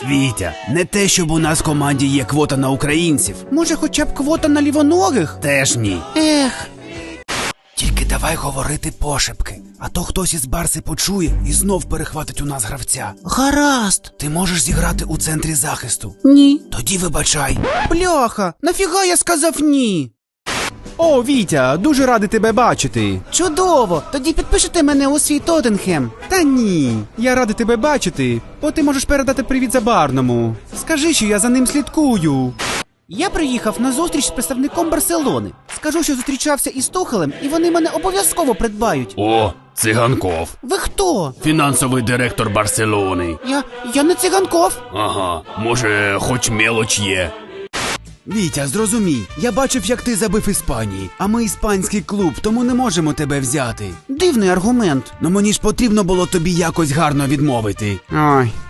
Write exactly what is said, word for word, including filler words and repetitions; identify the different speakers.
Speaker 1: Вітя, не те, щоб у нас в команді є квота на українців. Може, хоча б квота на лівоногих? Теж ні. Ех. Тільки давай говорити пошепки, а то хтось із Барси почує і знов перехватить у нас гравця. Гаразд. Ти можеш зіграти у центрі захисту? Ні. Тоді вибачай. Бляха, нафіга я сказав ні?
Speaker 2: О, Вітя, дуже радий тебе бачити.
Speaker 1: Чудово! Тоді підпишете мене у свій Тоттенхем.
Speaker 2: Та ні, я радий тебе бачити, бо ти можеш передати привіт Забарному. Скажи, що я за ним слідкую.
Speaker 1: Я приїхав на зустріч з представником Барселони. Скажу, що зустрічався із Тухелем, і вони мене обов'язково придбають.
Speaker 3: О, Циганков.
Speaker 1: Ви хто?
Speaker 3: Фінансовий директор Барселони.
Speaker 1: Я... я не Циганков.
Speaker 3: Ага, може, хоч мелоч є.
Speaker 1: Вітя, зрозумій, я бачив, як ти забив Іспанії, а ми іспанський клуб, тому не можемо тебе взяти. Дивний аргумент. Ну мені ж потрібно було тобі якось гарно відмовити.
Speaker 2: Ой,